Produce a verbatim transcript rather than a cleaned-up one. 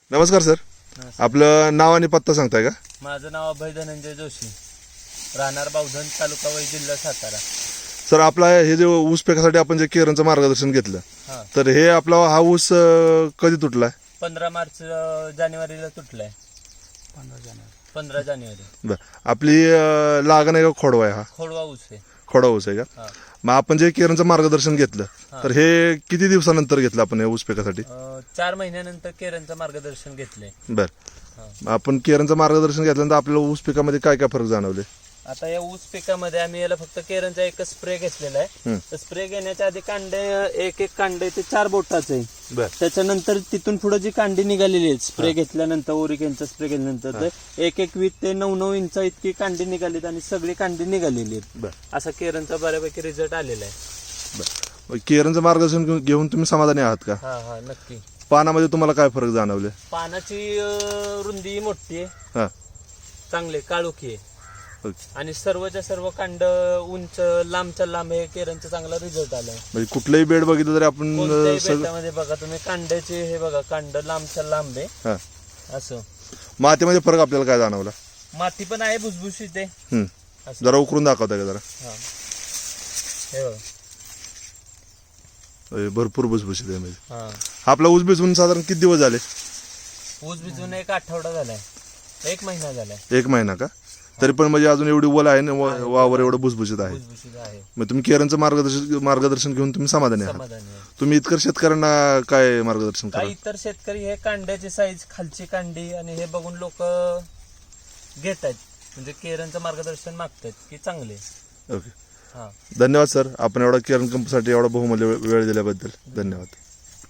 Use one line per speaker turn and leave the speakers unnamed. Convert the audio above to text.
नमस्कार सर, आपलं नाव आणि पत्ता सांगताय का?
माझं नाव अभय धनंजय जोशी, राहणार बावधन, तालुका वै, जिल्हा सातारा.
सर, आपला हे जे ऊस पिकासाठी आपण जे केरनचं मार्गदर्शन घेतलं,
हा.
तर हे आपला हा ऊस अं, कधी तुटलाय?
पंधरा मार्च अं, जानेवारीला तुटलाय. पंधरा जानेवारी पंधरा जानेवारी
बर, आपली अं, लागण आहे का खोडवा आहे? हा
खोडवा ऊस आहे.
खोडवा ऊस आहे का?
हा.
मग आपण जे केरनचं मार्गदर्शन घेतलं,
हा.
तर हे किती दिवसानंतर घेतलं आपण हे ऊस पिकासाठी?
अं, चार महिन्यानंतर केरनचं मार्गदर्शन घेतलंय.
बर,
हा.
मग आपण केरनचं मार्गदर्शन घेतल्यानंतर आपल्याला ऊस पिकामध्ये काय काय फरक जाणवले?
आता या ऊस पिकामध्ये आम्ही याला फक्त केरनचा एकच स्प्रे घेतलेला आहे.
हम्म.
तर स्प्रे घेण्याच्या आधी कांडे एक एक कांडे ते चार बोटाचं आहे.
बर,
त्याच्यानंतर तिथून पुढे जी कांडी निघालेली आहे स्प्रे घेतल्यानंतर, ओरिकेनचा स्प्रे घेतल्यानंतर ते एक एक वीट ते नऊ नऊ इंच इतकी कांडी निघालीत आणि सगळी कांडी निघालेली आहेत.
बर,
असा केरनचा बऱ्यापैकी रिझल्ट आलेला आहे.
बर. मग केरनचं मार्गदर्शन घेऊन- घेऊन तुम्ही समाधानी आहात का?
हा हा नक्की.
पानामध्ये तुम्हाला काय फरक जाणवले?
पानाची अं, रुंदी मोठी आहे,
हा,
चांगले काळोखी आहे
ओके.
आणि सर्वच्या सर्व कांड उंच लांबच्या लांब हे केरनचा चांगला रिझल्ट आलाय.
म्हणजे कुठलंही बेड बघितलं तरी आपण
कोणत्याही
अं, सगळं
बेटामध्ये बघा तुम्ही कांड्याचे हे बघा, कांड लांबच्या लांब आहे
हा.
असं.
मातीमध्ये फरक आपल्याला काय जाणवला?
माती पण आहे भुसभुशीत आहे
हम्म.
असं.
जरा उकरून दाखवता का जरा?
हा. हे बघा.
अय, भरपूर भुसभुशीत आहे म्हणजे.
हा.
आपला ऊस भिजवून साधारण किती दिवस झाले?
ऊस भिजून एक आठवडा झालाय, एक महिना झालाय.
एक महिना का? तरी पण म्हणजे अजून एवढी ओल आहे ना, वा- वावर एवढं भुसभुशीत आहे.
भुसभुशीत आहे,
मग तुम्ही केरनचं मार्गदर्शन मार्गदर्शन घेऊन तुम्ही समाधानी आहात?
समाधानी आहे.
तुम्ही इतर शेतकऱ्यांना काय मार्गदर्शन करा?
काही इतर शेतकरी हे कांड्याची साईज, खालची कांडी आणि हे बघून लोक घेत आहेत, म्हणजे केरनचं मार्गदर्शन मागतात की चांगले.
ओके,
हा.
धन्यवाद सर, आपण एवढा केरन कंपनीसाठी एवढा बहुमूल्य वेळ दिल्याबद्दल धन्यवाद.